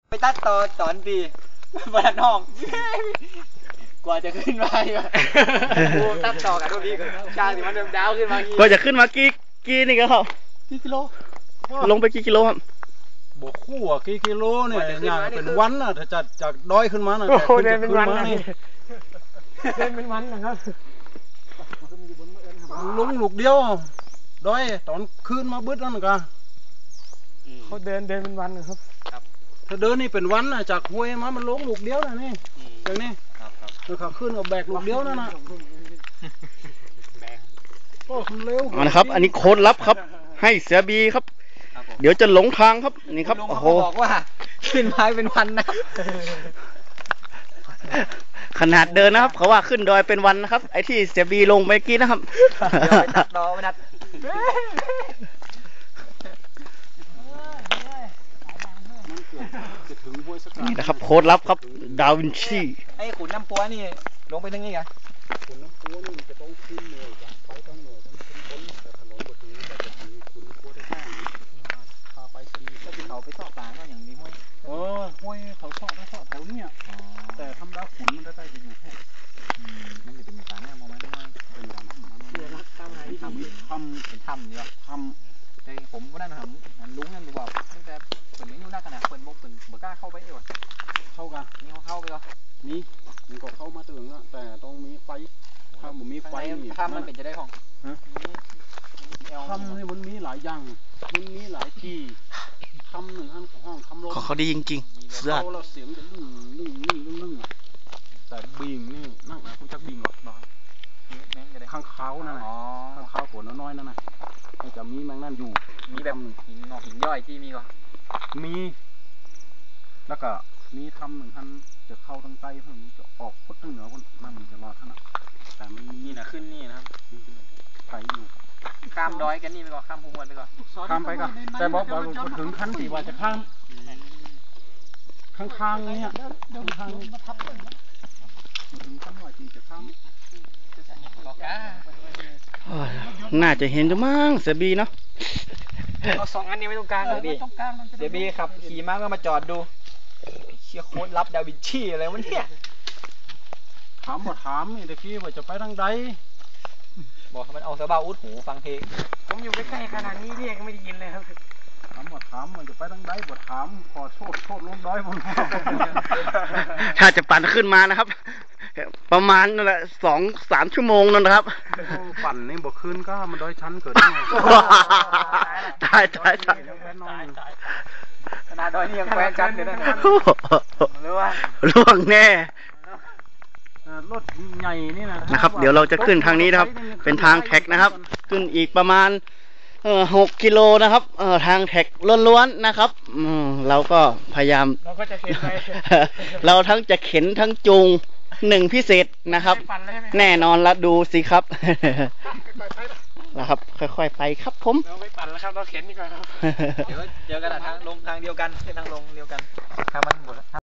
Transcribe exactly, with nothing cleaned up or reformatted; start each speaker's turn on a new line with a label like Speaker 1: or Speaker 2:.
Speaker 1: ไปตัดต่อตอนดีบนห้องกว่าจะขึ้นมากูตัดต่อกันทุกทีก็ช่างที่มันเดิมดาวขึ้นมากี่
Speaker 2: กว่าจะขึ้นมากี่กี่นี่ก็ครับ
Speaker 1: กี่กิโล
Speaker 2: ลงไปกี่กิโลครับ
Speaker 3: บวกคู่อ่ะกี่กิโลเนี่ยอย่างเป็นวันน่ะถ้าจัดจากดอยขึ้นมาน่ะแต่ขึ้นเป็นวันนี่
Speaker 1: เดินเป็นวันนะครับ
Speaker 3: ลงลูกเดียวดอยตอนขึ้นมาบึ้ดนั่นก็
Speaker 1: เขาเดินเดินเป็นวันนะครับ
Speaker 3: ถ้าเดินนี่เป็นวันน่ะจากห้วยมามันลงลูกเดียวนะนี่อย่างนี้แล้วเขาขึ้นกับแบกลูกเดียวนั่นน่ะโอ้เร็ว
Speaker 2: นะครับอันนี้โค้ดลับครับให้เสือบีครับเดี๋ยวจะหลงทางครับนี่ครับโอ้โห
Speaker 1: บอกว่าขึ้นไม้เป็นวันนะ
Speaker 2: ขนาดเดินนะครับเขาว่าขึ้นดอยเป็นวันนะครับไอ้ที่เสือบีลงไปกี้นะครับ
Speaker 1: เดี๋ยวไปตัดดอไปตัด
Speaker 2: นี่นะครับโค้ดลับครับดาวินชี
Speaker 1: ไอ้ขุนน้ำปัวนี่ลงไปถึงนี่ไง
Speaker 3: ขุนน้ำปัวนี่จะต้องขึ้นเหนื่อยจากไปต้องเหนื่อยต้องขึ้นบนแต่ถนนบนนี้จะจะมีขุนปัวได้ห้างพาไปสนีก็ที่เขาไปซ่อปลาก็อย่างนี้ห้วยเออห้วยเขาซ่อได้ซ่อแถวนี้แต่ทำดาวขุนมันได้จะอยู่แค่นั่นจะเป็นปลาแน่มองไหมไม่เป็นปลาน้ำมันเรือรักตามไหนทำทำเป็นถ้ำนี่หรอทำแต่ผมก็ได้มาทำมันลุ้งนั่นดีกว่าตั้งแต่เปิดนี้อยู่หน้าขนาดเปิดบกเปิดเบิกกล้าเข้าไปเอวเข้ากันนี่เขาเข้าไปก็มีมันก็เข้ามาถึงแล้วแต่ต้องมีไฟถ้ามันมีไฟนี่
Speaker 1: ถ้ามันเป็นจะได้ของ
Speaker 3: ทำนี่มันมีหลายอย่างมันมีหลายที่ทำหนึ่งห้องห้องทำรถ
Speaker 2: เขาดีจริงๆเสือ
Speaker 3: เราเสียงจะลึ่งลึ่งลึ่งลึ่งลึ่งแต่บิงนี่นั่งนะคุณจักบิงหรอข้างเขานั่นนะข้างเขาหัวน้อยๆนั่นนะมันจะมีแมงนั่นอยู่
Speaker 1: มีแบบหินงอกหินย่อยที่มีก็
Speaker 3: มีแล้วก็มีทำหนึ่งท่านจะเข้าทางใต้เพิ่มจะออกพุทธทางเหนือคนนั่นจะรอท่านแต่มันมี
Speaker 1: นี่นะขึ้นนี่นะครับ
Speaker 3: ไผ่อยู่
Speaker 1: ข้ามดอยกันนี่ไปก่อนข้ามภูมิวันไปก่อน
Speaker 3: ข้ามไปก่อนแต่บอกว่าถึงขั้นที่ว่าจะข้ามข้างๆเนี่ยข้างๆมาทับถึงขั้นว่าที่จะข้าม
Speaker 2: น่าจะเห็นจะมั้งเสือบีเนาะ
Speaker 1: เอาสองอันนี้ไม่ต้องการเลยดิเสือบีขับขี่ม้าก็มาจอดดูเชี่ยโค้ดลับดาวินชีอะไรวะเนี่ย
Speaker 3: ถามบ่ถามนี่ตะกี้ว่าจะไปทางใด
Speaker 1: บอกมันเอาสบาอุดหูฟังเพลงผมอยู่ใกล้ๆขนาดนี้เรียกไม่ได้ยินเลยครับ
Speaker 3: ถามบ่ถามว่าจะไปทางใดบ่ถามขอโทษโทษลงด้อยบน
Speaker 2: ถ้าจะปั่นขึ้นมานะครับประมาณนั่นแหละสองสามชั่วโมงนั่นนะครับ
Speaker 3: ปั่นนี่บ่ขึ้นก็มันด้อยชั้นเกิดได้ไง
Speaker 2: ตายตายตาย
Speaker 1: ขนาดดอยนี่ยังแควนชั้นอยู่นะรู้ว่า
Speaker 2: ล่วงแน่
Speaker 3: รถใหญ่นี่นะ
Speaker 2: นะครับเดี๋ยวเราจะขึ้นทางนี้นะครับเป็นทางแท็กนะครับขึ้นอีกประมาณเอ่อหกกิโลนะครับเอ่อทางแท็กล้วนๆนะครับอืมเราก็พยายาม
Speaker 1: เราก็จะเข็นไป
Speaker 2: เราทั้งจะเข็นทั้งจูงหนึ่งพิเศษนะครับแน่นอนละดูสิครับนะครับค่อยๆไปครับผม
Speaker 1: เราไม่ปั่นแล้วครับเราเข็นดีกว่าครับเดี๋ยวเจอกันทางลงทางเดียวกันเส้นทางลงเดียวกันทางมันหมด